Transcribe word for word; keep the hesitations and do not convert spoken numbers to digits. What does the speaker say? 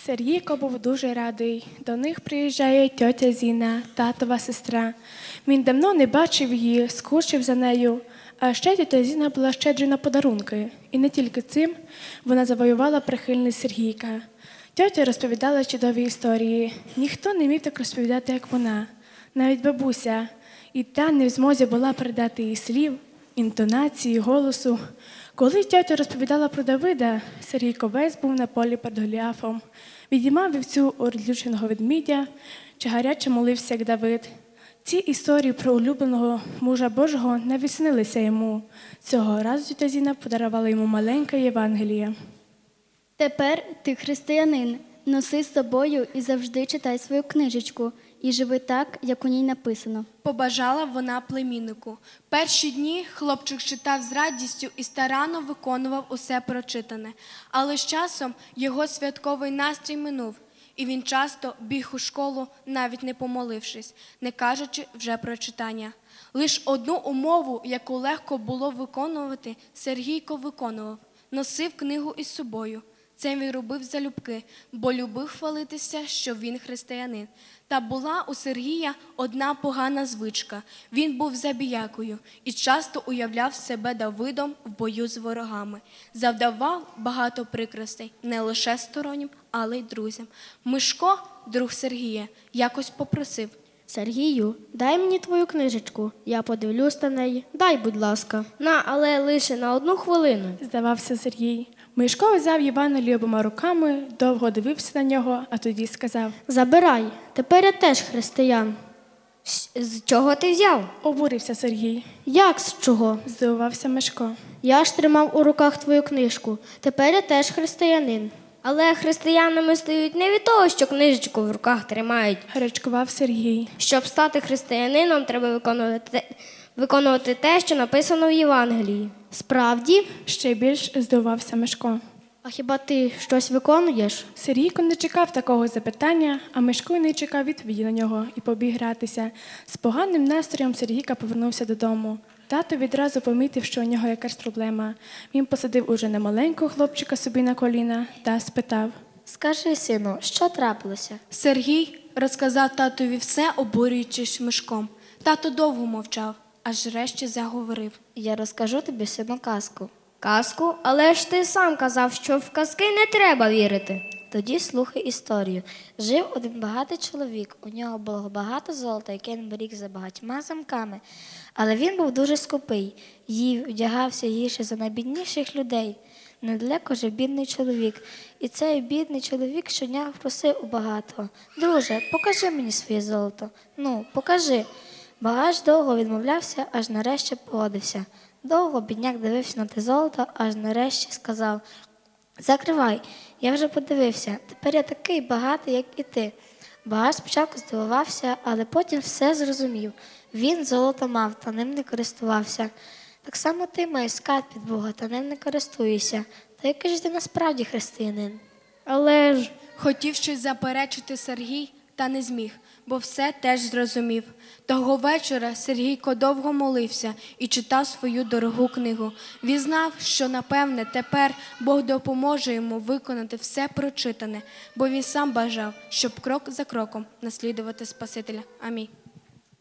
Сергійко був дуже радий. До них приїжджає тьотя Зіна, татова сестра. Він давно не бачив її, скучив за нею. А ще тьотя Зіна була щедрою на подарунки. І не тільки цим вона завоювала прихильність Сергійка. Тьотя розповідала чудові історії. Ніхто не міг так розповідати, як вона. Навіть бабуся. І та не в змозі була передати їй слів, інтонації, голосу. Коли тьотя розповідала про Давида, Сергійко весь був на полі перед Голіафом. Відіймав вівцю у розлюченого ведмідя, чи гаряче молився, як Давид. Ці історії про улюбленого мужа Божого не віснилися йому. Цього разу тьотя Зіна подарувала йому маленьке Євангеліє. Тепер ти християнин. Носи з собою і завжди читай свою книжечку. І живи так, як у ній написано. Побажала вона племіннику. Перші дні хлопчик читав з радістю і старанно виконував усе прочитане. Але з часом його святковий настрій минув, і він часто біг у школу, навіть не помолившись, не кажучи вже про читання. Лиш одну умову, яку легко було виконувати, Сергійко виконував – носив книгу із собою. Це він робив залюбки, бо любив хвалитися, що він християнин. Та була у Сергія одна погана звичка. Він був забіякою і часто уявляв себе Давидом в бою з ворогами. Завдавав багато прикростей не лише стороннім, але й друзям. Мишко, друг Сергія, якось попросив: Сергію, дай мені твою книжечку, я подивлюсь на неї. Дай, будь ласка. На, але лише на одну хвилину. Здавався Сергій. Мишко взяв Євангеліє обома руками, довго дивився на нього, а тоді сказав: Забирай, тепер я теж християн. З чого ти взяв? Обурився Сергій. Як з чого? Здивувався Мишко. Я ж тримав у руках твою книжку, тепер я теж християнин. Але християнами стають не від того, що книжечку в руках тримають. Гарячкував Сергій. Щоб стати християнином, треба виконувати те, виконувати те, що написано в Євангелії. Справді? Ще більш здивувався Мишко. А хіба ти щось виконуєш? Сергійко не чекав такого запитання, а Мишко й не чекав відповіді на нього і побіг гратися. З поганим настроєм Сергійка повернувся додому. Тато відразу помітив, що у нього якась проблема. Він посадив уже немаленького хлопчика собі на коліна та спитав: Скажи, сину, що трапилося? Сергій розказав татові все, обурюючись Мишком. Тато довго мовчав, аж врешті заговорив. Я розкажу тобі, сину, казку. Казку? Але ж ти сам казав, що в казки не треба вірити. Тоді слухай історію. Жив один багатий чоловік. У нього було багато золота, яке він беріг за багатьма замками. Але він був дуже скупий. Їв, вдягався гірше за найбідніших людей. Недалеко жив бідний чоловік. І цей бідний чоловік щодня просив у багатого: Друже, покажи мені своє золото. Ну, покажи. Багач довго відмовлявся, аж нарешті погодився. Довго бідняк дивився на те золото, аж нарешті сказав: Закривай, я вже подивився, тепер я такий багатий, як і ти. Багач спочатку здивувався, але потім все зрозумів. Він золото мав, та ним не користувався. Так само ти маєш скарб від Бога, та ним не користуєшся. Та який ж ти насправді християнин? Але ж... Хотів щось заперечити Сергій, та не зміг, бо все теж зрозумів. Того вечора Сергійко довго молився і читав свою дорогу книгу. Він знав, що, напевне, тепер Бог допоможе йому виконати все прочитане, бо він сам бажав, щоб крок за кроком наслідувати Спасителя. Амінь.